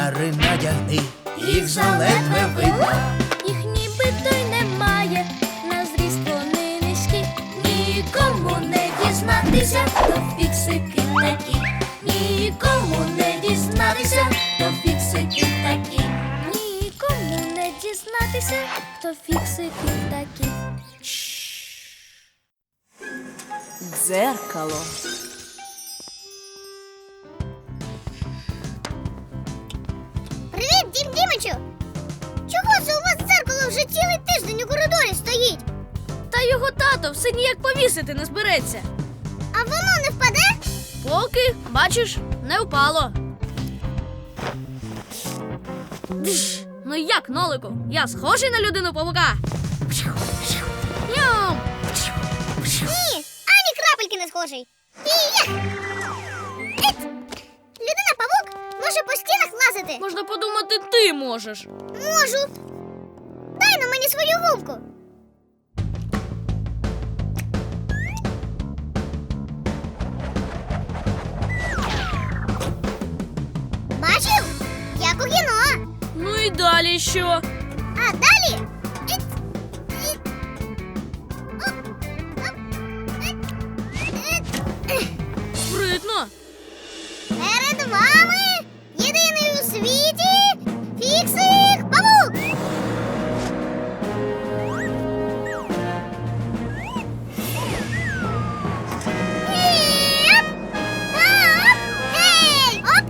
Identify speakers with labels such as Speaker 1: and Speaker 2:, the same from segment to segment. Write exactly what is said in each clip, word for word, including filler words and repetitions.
Speaker 1: окуляри надягни, їх заледве видно.
Speaker 2: Їх нібито й немає, на зріст вони низькі. Нікому не дізнатися, то фіксики такі. Нікому не дізнатися, то фіксики такі. Нікому не дізнатися, то фіксики такі.
Speaker 3: Дзеркало.
Speaker 4: Привіт, Дім Дімичу! Чого це у вас дзеркало вже цілий тиждень у коридорі стоїть?
Speaker 2: Та його тато все ніяк повісити не збереться.
Speaker 4: А воно не впаде?
Speaker 2: Поки, бачиш, не впало. Дж! Ну як, Нолику? Я схожий на людину-павука? Ням!
Speaker 4: Ні, ані крапельки не схожий. І я! Ет! Людина-павук може по стінах лазити.
Speaker 2: Можна подумати, ти можеш.
Speaker 4: Можу. Дай на мені свою гумку. Бачив? Як у кіно.
Speaker 2: Ну і далі що?
Speaker 4: А далі? Ет! Ет! Оп! Оп! Ет! Ет! Ех!
Speaker 2: Спритно.
Speaker 4: Перед вами єдиний у світі Фіксик-павук! Еп! Оп! Гей! Оп!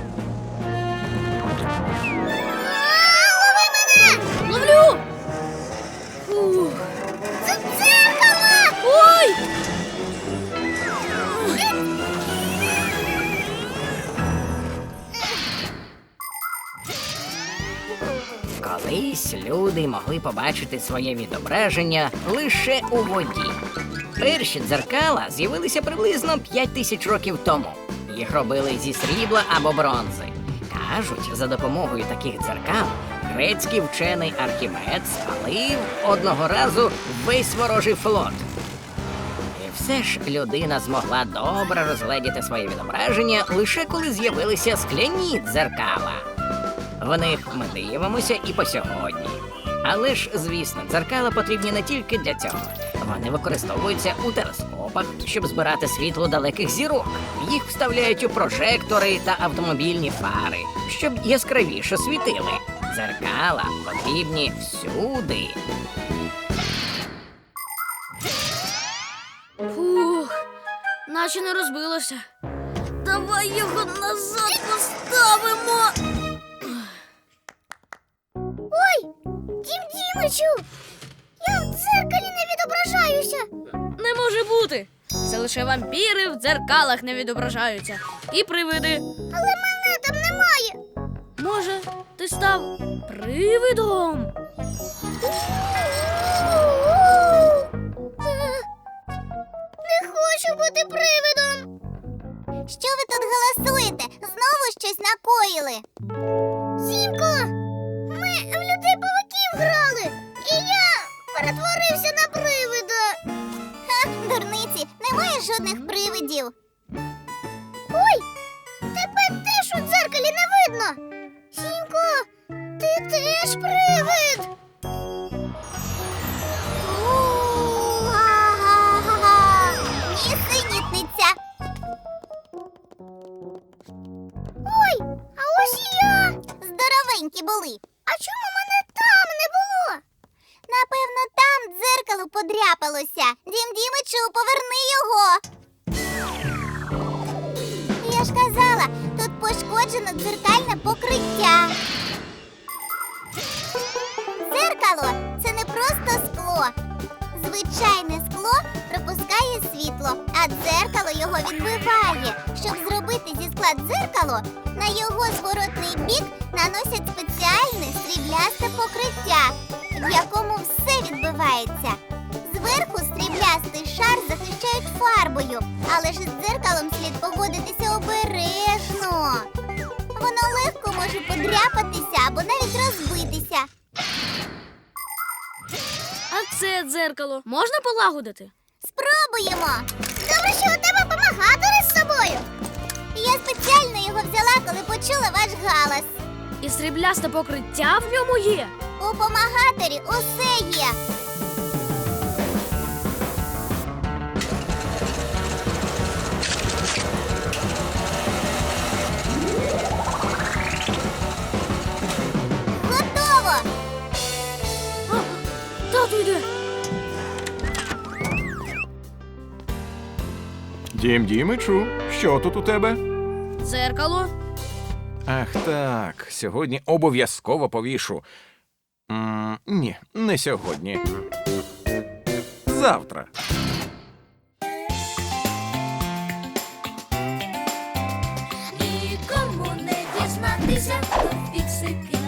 Speaker 4: А, лови мене!
Speaker 2: Ловлю! Фух.
Speaker 4: Це дзеркало!
Speaker 2: Ой!
Speaker 5: Колись люди могли побачити своє відображення лише у воді. Перші дзеркала з'явилися приблизно п'ять тисяч років тому. Їх робили зі срібла або бронзи. Кажуть, за допомогою таких дзеркал грецький вчений Архімед спалив одного разу весь ворожий флот. І все ж людина змогла добре розгледіти своє відображення лише коли з'явилися скляні дзеркала. В них ми дивимося і по сьогодні. Але ж, звісно, дзеркала потрібні не тільки для цього. Вони використовуються у телескопах, щоб збирати світло далеких зірок. Їх вставляють у прожектори та автомобільні фари, щоб яскравіше світили. Дзеркала потрібні всюди.
Speaker 2: Фух, наче не розбилося. Давай його назад поставимо.
Speaker 4: Ой, Дім Дімичу! Я в дзеркалі не відображаюся!
Speaker 2: Не може бути. Це лише вампіри в дзеркалах не відображаються. І привиди.
Speaker 4: Але мене там немає!
Speaker 2: Може, ти став привидом?
Speaker 4: Не хочу бути привидом! Що ви тут голосуєте? Знову щось накоїли? Сімко! Ми в людей-павуків грали! І я перетворився на привида! Ха, дурниці, немає жодних привидів! Ой! Тебе теж у дзеркалі не видно! Сімко, ти теж привид! У-га-га-га! Нісенітниця! Ой, а ось і я! Здоровенькі були! А чому мене там не було? Напевно, там дзеркало подряпалося. Дім Дімичу, поверни його! Я ж казала, тут пошкоджено дзеркальне покриття. Дзеркало – це не просто скло. Звичайне скло пропускає світло, а дзеркало його відбиває. Щоб зробити зі скла дзеркало, на його зворотний бік наносять спеціальне сріблясте покриття, в якому все відбивається. Зверху сріблястий шар захищають фарбою, але ж з дзеркалом слід поводитися обережно. Воно легко може подряпатися або навіть розбитися.
Speaker 2: А це дзеркало можна полагодити?
Speaker 4: Спробуємо. Добре, що у тебе помагатори з собою. Я спеціально його взяла, коли почула ваш галас.
Speaker 2: І сріблясте покриття в ньому є.
Speaker 4: У помагатері усе є. Готово!
Speaker 2: А, тату йде.
Speaker 3: Дім Дімичу, що тут у тебе?
Speaker 2: Дзеркало.
Speaker 3: Ах так, сьогодні обов'язково повішу. М, ні, не сьогодні. Завтра.
Speaker 6: Нікому не дізнатися, то фіксики